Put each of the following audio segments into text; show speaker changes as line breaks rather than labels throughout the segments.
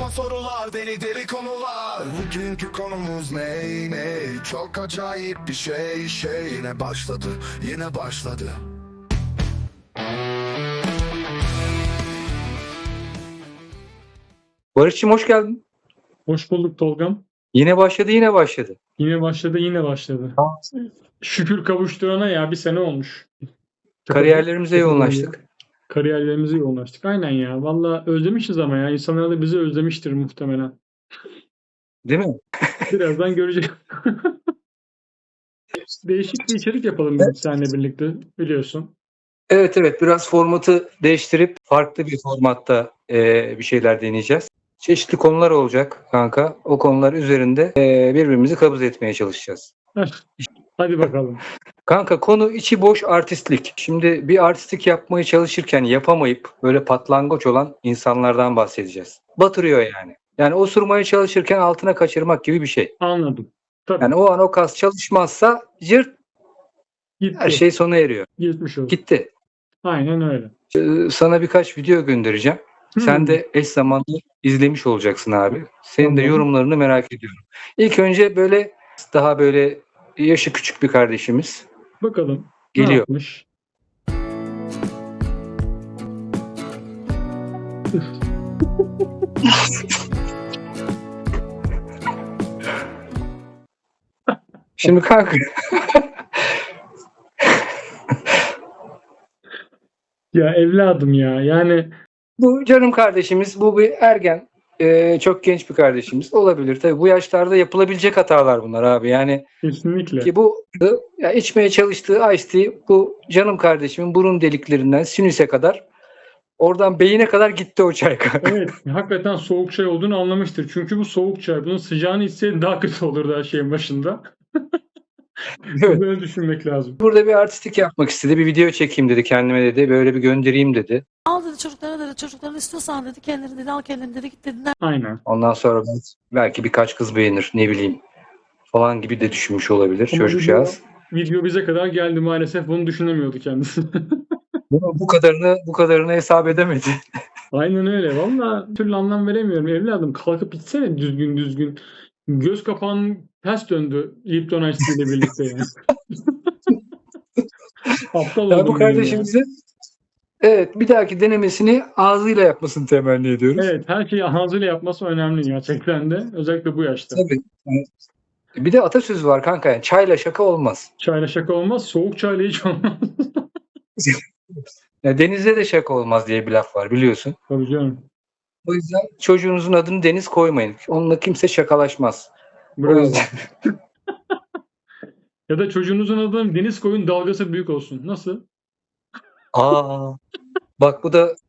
Sorma sorular, deli deli konular. Bugünkü konumuz ne? Çok acayip bir şey. Yine başladı.
Barış'cığım hoş geldin.
Hoş bulduk Tolgam.
Yine başladı.
Yine başladı. Şükür kavuşturana ya bir sene olmuş.
Kariyerlerimize yoğunlaştık.
Kariyerlerimize yoğunlaştık. Aynen ya. Valla özlemişiz ama ya. İnsanlar da bizi özlemiştir muhtemelen.
Değil mi?
Birazdan göreceğiz. Değişik bir içerik yapalım dedik seninle birlikte biliyorsun.
Evet, biraz formatı değiştirip farklı bir formatta bir şeyler deneyeceğiz. Çeşitli konular olacak kanka. O konular üzerinde birbirimizi kabız etmeye çalışacağız.
Hadi bakalım.
Kanka konu içi boş artistlik. Şimdi bir artistlik yapmaya çalışırken yapamayıp böyle patlangoç olan insanlardan bahsedeceğiz. Batırıyor yani. Yani osurmaya çalışırken altına kaçırmak gibi bir şey.
Anladım. Tabii.
Yani o an o kas çalışmazsa cırt
Gitti.
her şey sona eriyor.
Gitmiş oldu.
Gitti.
Aynen öyle.
Sana birkaç video göndereceğim. Sen de eş zamanlı izlemiş olacaksın abi. Senin de
Tamam.
yorumlarını merak ediyorum. İlk önce böyle daha böyle yaşı küçük bir kardeşimiz
Bakalım. Ne
geliyor.
yapmış?
Şimdi kanka
Ya evladım ya. Yani
bu canım kardeşimiz, bu bir ergen, çok genç bir kardeşimiz olabilir. Tabii bu yaşlarda yapılabilecek hatalar bunlar abi. Yani
kesinlikle.
ki bu ya içmeye çalıştığı Ice Tea bu canım kardeşimin burun deliklerinden sinüse kadar oradan beyine kadar gitti o çay kanka.
Evet, hakikaten soğuk çay olduğunu anlamıştır. Çünkü bu soğuk çay. Bunun sıcağını içseydi daha kötü olurdu her şeyin başında.
Evet.
Böyle düşünmek lazım.
Burada bir artistik yapmak istedi. Bir video çekeyim dedi kendime dedi. Böyle bir göndereyim dedi.
Al dedi çocuklara dedi çocukların istiyorsan dedi kendileri dedi al kendini dedi git dedi.
Aynen.
Ondan sonra belki birkaç kız beğenir ne bileyim falan gibi de düşünmüş olabilir
Ama
çocukcağız.
video bize kadar geldi maalesef. Bunu düşünemiyordu kendisi.
Bu kadarını hesap edemedi.
Aynen öyle. Valla bir türlü anlam veremiyorum. Evladım kalkıp içsene düzgün. Göz kapağın ters döndü Lipton Ice Tea ile birlikte yani. Aptal
Ya
oldum
bu
ben
kardeşimizin evet bir dahaki denemesini ağzıyla yapmasını temenni ediyoruz.
Evet, her şeyi ağzıyla yapması önemli gerçekten de. Özellikle bu yaşta.
Tabii. Bir de atasözü var kanka. Yani çayla şaka olmaz.
Çayla şaka olmaz, soğuk çayla hiç olmaz.
Ya denizde de şaka olmaz diye bir laf var biliyorsun.
Tabii canım.
O yüzden çocuğunuzun adını Deniz koymayın. Onunla kimse şakalaşmaz. O
Bravo.
yüzden
Ya da çocuğunuzun adını deniz koyun dalgası büyük olsun. Nasıl?
bak bu da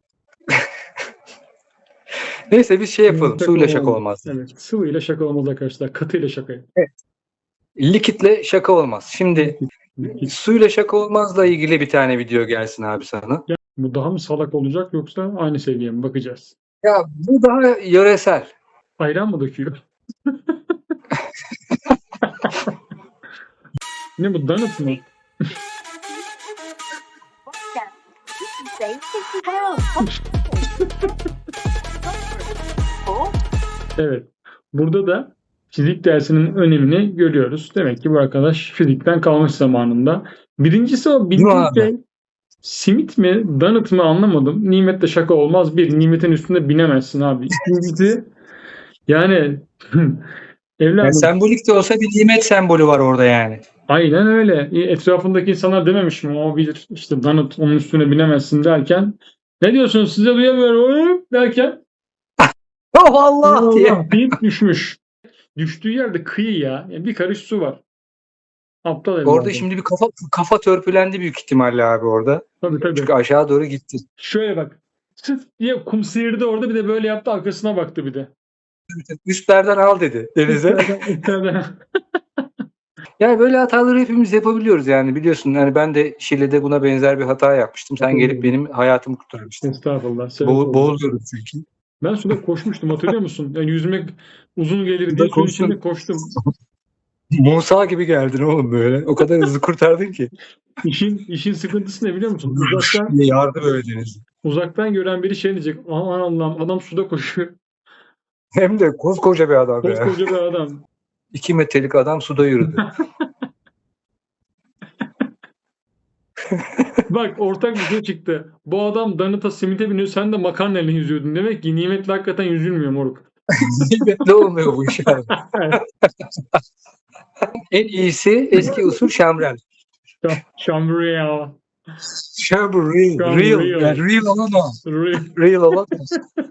neyse biz şey yapalım. Suyla şaka olmaz.
Evet. Sıvıyla şaka olmaz arkadaşlar. Katıyla şaka.
Likitle şaka olmaz. Şimdi suyla şaka olmazla ilgili bir tane video gelsin abi sana.
Bu daha mı salak olacak yoksa aynı seviye mi? Bakacağız.
Ya bu daha yöresel.
Ayran mı döküyor? Ne bu? Donut mu? Evet. Burada da fizik dersinin önemini görüyoruz. Demek ki bu arkadaş fizikten kalmış zamanında. Birincisi o
Değil mi
bildiğin
abi?
şey simit mi, donut mu anlamadım. Nimetle şaka olmaz. Bir, nimetin üstünde binemezsin abi. İkincisi yani
Yani
evladım
sembolik de olsa bir nimet sembolü var orada yani.
aynen öyle. Etrafındaki insanlar dememiş mi? O bilir işte donut onun üstüne binemezsin derken ne diyorsunuz size duyamıyorum derken
Oh Allah diye.
Allah deyip düşmüş. Düştüğü yerde kıyı ya. Yani bir karış su var. Aptal evladım.
Orada şimdi bir kafa törpülendi büyük ihtimalle abi orada.
Tabii.
Çünkü aşağı doğru gitti.
Şöyle bak. Çıt diye kum sıyırdı orada bir de böyle yaptı arkasına baktı bir de.
Üstlerden al dedi denize.
İçeriden.
Yani böyle hataları hepimiz yapabiliyoruz yani biliyorsun. Yani ben de Şile'de buna benzer bir hata yapmıştım. Sen gelip benim hayatımı kurtarmıştın.
Estağfurullah.
Boğuluyorum çünkü.
Ben suda koşmuştum hatırlıyor musun? Yani yüzmek uzun gelir diye suyun içinde koştum.
Musa gibi geldin oğlum böyle. O kadar hızlı kurtardın ki.
İşin sıkıntısı ne biliyor musun?
Diye yardı böyle deniz.
Uzaktan gören biri şey diyecek. Aman Allah'ım adam suda koşuyor.
Hem de koskoca bir adam ya.
Koskoca bir adam.
2 metrelik adam suda yürüdü.
Bak ortak bir şey çıktı. Bu adam Danıta simite biniyor. Sen de makarnayla yüzüyordun. Demek ki nimetli hakikaten yüzülmüyor moruk.
Nimetli olmuyor bu iş abi. En iyisi eski usul şamrel.
Şambriya.
Şamrel. Real. Yani real olan o.
Re-
Real olan o.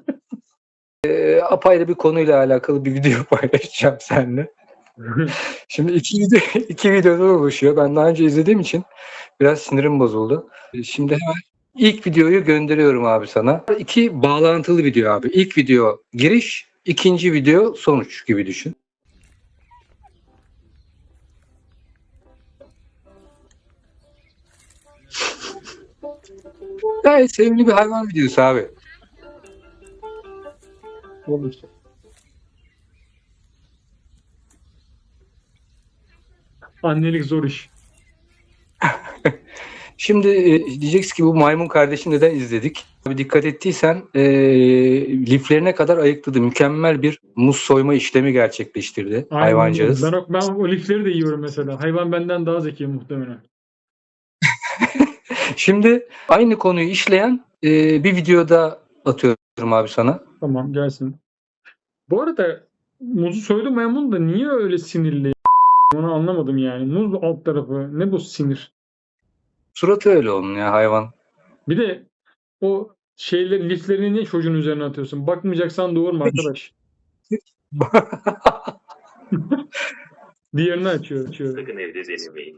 Apayrı bir konuyla alakalı bir video paylaşacağım seninle. Şimdi iki videodan oluşuyor. Ben daha önce izlediğim için biraz sinirim bozuldu. Şimdi hemen ilk videoyu gönderiyorum abi sana. 2 bağlantılı video abi. İlk video giriş, ikinci video sonuç gibi düşün. Gayet sevimli bir hayvan videosu abi.
Olmuş. Annelik zor iş.
Şimdi diyeceksin ki bu maymun kardeşi neden izledik? Abi dikkat ettiysen liflerine kadar ayıkladı. Mükemmel bir muz soyma işlemi gerçekleştirdi
Aynen.
hayvancağız.
Ben o lifleri de yiyorum mesela. Hayvan benden daha zeki muhtemelen.
Şimdi aynı konuyu işleyen bir videoda atıyorum abi sana.
Tamam gelsin. Bu arada muzu soydu maymun da niye öyle sinirli? Onu anlamadım yani. Muz alt tarafı. Ne bu sinir?
Suratı öyle onun ya hayvan.
Bir de o şeyleri liflerini niye çocuğun üzerine atıyorsun? Bakmayacaksan doğurma arkadaş. Diğerini açıyor.
Sakın evde denemeyin.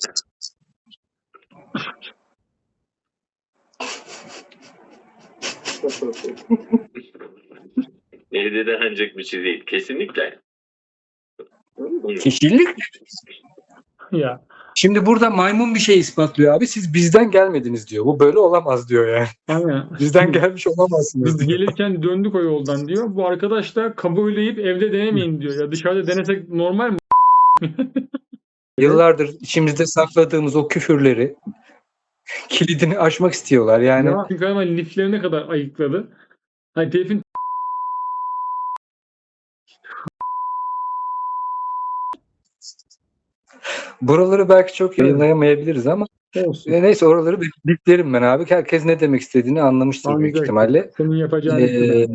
Evde denenecek bir şey değil. Kesinlikle.
Kişilik.
Ya
Şimdi burada maymun bir şey ispatlıyor abi. Siz bizden gelmediniz diyor. Bu böyle olamaz diyor yani.
aynen.
Bizden gelmiş olamazsınız
Biz
diyor.
gelirken döndük o yoldan diyor. Bu arkadaş da kabulleyip evde denemeyin diyor. Ya dışarıda denesek normal mi?
Yıllardır içimizde sakladığımız o küfürleri kilidini aşmak istiyorlar. Yani
Ya, çünkü hemen liflerine kadar ayıkladı. Hani telifin
buraları belki çok yayınlayamayabiliriz ama
olsun.
neyse oraları biplerim ben abi. Herkes ne demek istediğini anlamıştır büyük
Anlayacak.
ihtimalle.
Senin yapacağın
Ee,
işler.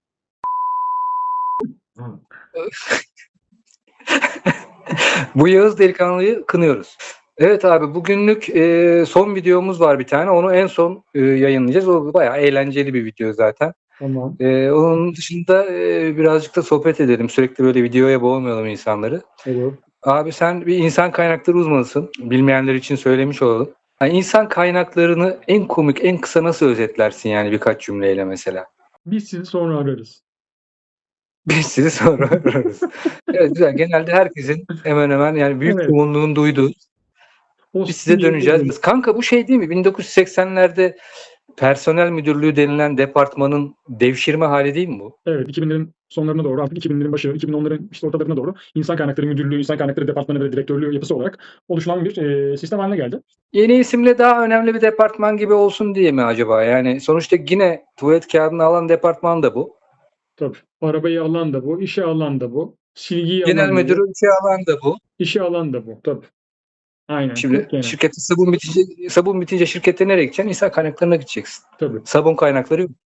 Bu Yağız delikanlıyı kınıyoruz. Evet abi bugünlük son videomuz var bir tane. Onu en son yayınlayacağız. O bayağı eğlenceli bir video zaten.
Tamam.
Onun dışında birazcık da sohbet edelim. Sürekli böyle videoya boğmayalım insanları.
Olur.
Abi sen bir insan kaynakları uzmanısın. Bilmeyenler için söylemiş olalım. Yani insan kaynaklarını en komik, en kısa nasıl özetlersin yani birkaç cümleyle mesela?
Biz sizi sonra ararız.
Biz sizi sonra ararız. Evet güzel. Genelde herkesin hemen hemen yani büyük
Evet.
çoğunluğun duyduğu.
O
Biz size döneceğiz.
sinirli-
Kanka bu şey değil mi? 1980'lerde personel müdürlüğü denilen departmanın devşirme hali değil mi bu?
Evet, 2000'lerin sonlarına doğru, artık 2000'lerin başı, 2010'ların işte ortalarına doğru insan kaynakları müdürlüğü, insan kaynakları departmanı ve direktörlüğü yapısı olarak oluşulan bir sistem haline geldi.
Yeni isimle daha önemli bir departman gibi olsun diye mi acaba? Yani sonuçta yine tuvalet kağıdını alan departman da bu.
Tabii. Arabayı alan da bu, işe alan da bu, silgiyi
Genel
alan da bu,
müdürü işe alan da bu.
işe alan da bu. Tabii. Aynen.
Şimdi
çok genel.
şirkette sabun bitince şirkete nereye gideceksin? İnsan kaynaklarına gideceksin.
Tabii.
Sabun kaynakları yok.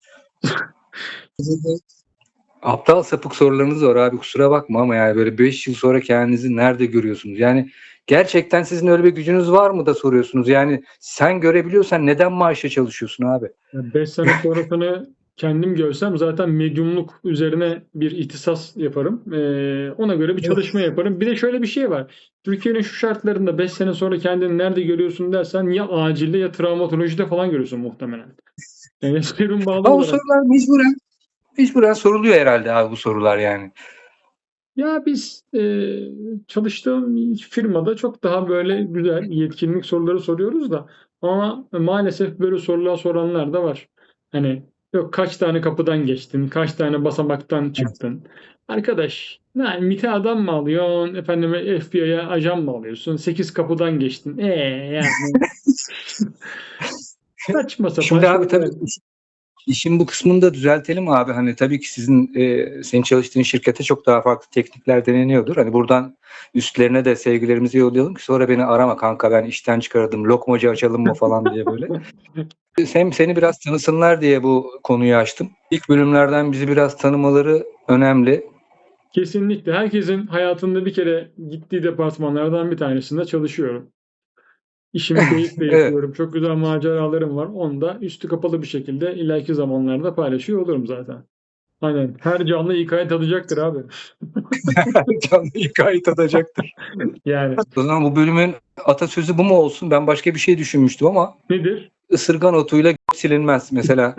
Aptal sapık sorularınız var abi kusura bakma ama yani böyle 5 yıl sonra kendinizi nerede görüyorsunuz? Yani gerçekten sizin öyle bir gücünüz var mı da soruyorsunuz? Yani sen görebiliyorsan neden maaşla çalışıyorsun abi?
5 sene sonrasını kendim görsem zaten medyumluk üzerine bir ihtisas yaparım. Ona göre bir çalışma yaparım. Bir de şöyle bir şey var. Türkiye'nin şu şartlarında 5 sene sonra kendini nerede görüyorsun dersen ya acilde ya travmatolojide falan görüyorsun muhtemelen. Yani serum bağlı
Ama bu
olarak.
sorular mecburen soruluyor herhalde abi bu sorular yani.
Ya biz çalıştığım firmada çok daha böyle güzel yetkinlik soruları soruyoruz da ama maalesef böyle sorular soranlar da var. Hani yok kaç tane kapıdan geçtin, kaç tane basamaktan çıktın. Arkadaş, yani MİT'e adam mı alıyorsun, efendime FBI'ye ajan mı alıyorsun, 8 kapıdan geçtin. Yani saçma sapan
Şimdi abi
şeyler.
tabii İşin bu kısmını da düzeltelim abi. Hani tabii ki senin çalıştığın şirkete çok daha farklı teknikler deneniyordur. Hani buradan üstlerine de sevgilerimizi yollayalım ki sonra beni arama kanka ben işten çıkardım. Lokmacı açalım mı falan diye böyle. Seni biraz tanısınlar diye bu konuyu açtım. İlk bölümlerden bizi biraz tanımaları önemli.
Kesinlikle. Herkesin hayatında bir kere gittiği departmanlardan bir tanesinde çalışıyorum. İşimi keyifle
Evet.
yapıyorum. Çok güzel maceralarım var. Onu da üstü kapalı bir şekilde ileriki zamanlarda paylaşıyor olurum zaten. Aynen. Her canlı İK'ya tadacaktır abi.
Canlı hikaye tadacaktır.
Yani
O zaman bu bölümün atasözü bu mu olsun? Ben başka bir şey düşünmüştüm ama
nedir?
ısırgan otuyla silinmez mesela.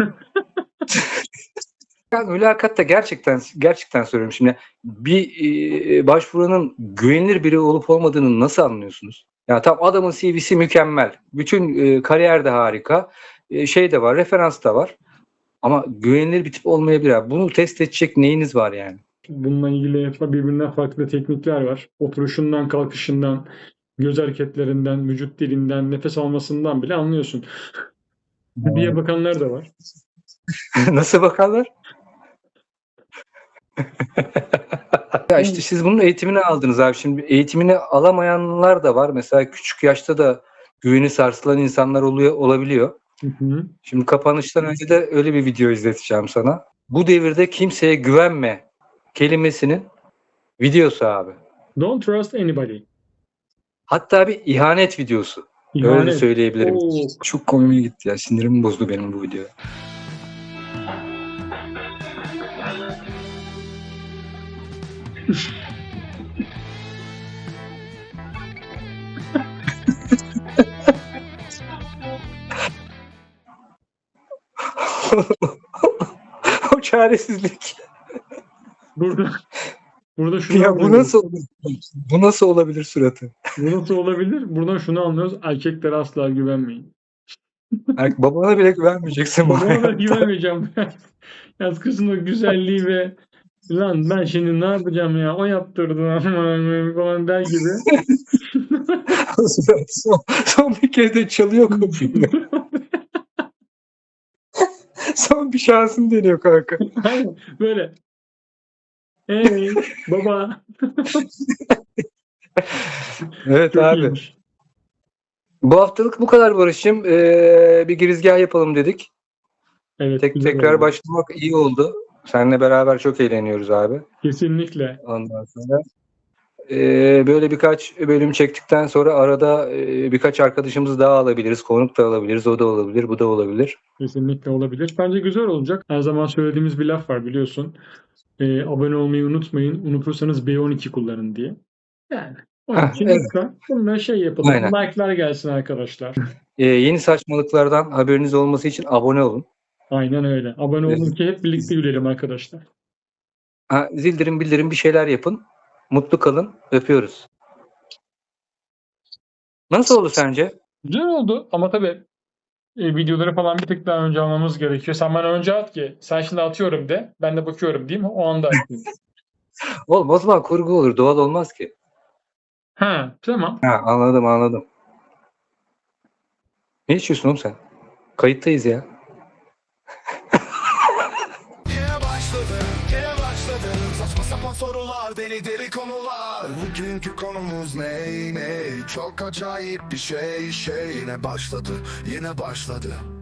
Yani mülakatta gerçekten söylüyorum şimdi bir başvuranın güvenilir biri olup olmadığını nasıl anlıyorsunuz? Ya tam adamın CV'si mükemmel. Bütün kariyer de harika. Şey de var, referans da var. Ama güvenilir bir tip olmayabilir. Abi. Bunu test edecek neyiniz var yani?
Bununla ilgili birbirinden farklı teknikler var. Oturuşundan, kalkışından, göz hareketlerinden, vücut dilinden, nefes almasından bile anlıyorsun. diye bakanlar da var.
Nasıl bakarlar? Ya işte siz bunun eğitimini aldınız abi. Şimdi eğitimini alamayanlar da var. Mesela küçük yaşta da güveni sarsılan insanlar olabiliyor.
Hı hı.
Şimdi kapanıştan önce de öyle bir video izleteceğim sana. Bu devirde kimseye güvenme kelimesinin videosu abi.
Don't trust anybody.
Hatta bir ihanet videosu. Öyle de
İhanet.
söyleyebilirim.
Oo.
Çok komiğime gitti ya. Sinirimi bozdu benim bu video. O çaresizlik.
Burada şunu
Ya bu
anlıyoruz.
nasıl olabilir? Bu nasıl olabilir suratı?
Bu nasıl olabilir? Buradan şunu anlıyoruz. Erkeklere asla güvenmeyin.
Babana bile güvenmeyeceksin bu
Babama da
hayatta.
güvenmeyeceğim. Yaz kızın o güzelliği ve lan ben şimdi ne yapacağım ya? O yaptırdı aman falan der gibi.
Son bir kez de çalıyor kapıyı. Son bir şansın deniyor kanka.
Aynen böyle. Hey baba.
Evet
Çok
abi.
iyiymiş.
Bu haftalık bu kadar Barış'cığım. Bir girizgah yapalım dedik.
Evet, güzel
Tekrar
oldu.
başlamak iyi oldu. Seninle beraber çok eğleniyoruz abi.
Kesinlikle.
Ondan sonra böyle birkaç bölüm çektikten sonra arada birkaç arkadaşımızı daha alabiliriz. Konuk da alabiliriz. O da olabilir. Bu da olabilir.
Kesinlikle olabilir. Bence güzel olacak. Her zaman söylediğimiz bir laf var biliyorsun. Abone olmayı unutmayın. Unutursanız B12 kullanın diye. Yani onun için
Evet.
lütfen bununla şey yapalım.
Aynen.
Like'lar gelsin arkadaşlar.
Yeni saçmalıklardan haberiniz olması için abone olun.
Aynen öyle. Abone olun
Evet.
ki hep birlikte gülelim arkadaşlar.
Bildirim bir şeyler yapın. Mutlu kalın. Öpüyoruz. Nasıl oldu sence?
Güzel oldu ama tabii videoları falan bir tık daha önce almamız gerekiyor. Sen bana önce at ki sen şimdi atıyorum de. Ben de bakıyorum değil mi? O anda atayım.
Oğlum o zaman kurgu olur. Doğal olmaz ki.
Ha, tamam.
Anladım. Ne içiyorsun oğlum sen? Kayıttayız ya.
Yine başladı saçma sapan sorular, deli konular. Bugünkü konumuz ne? Çok acayip bir şey. Yine başladı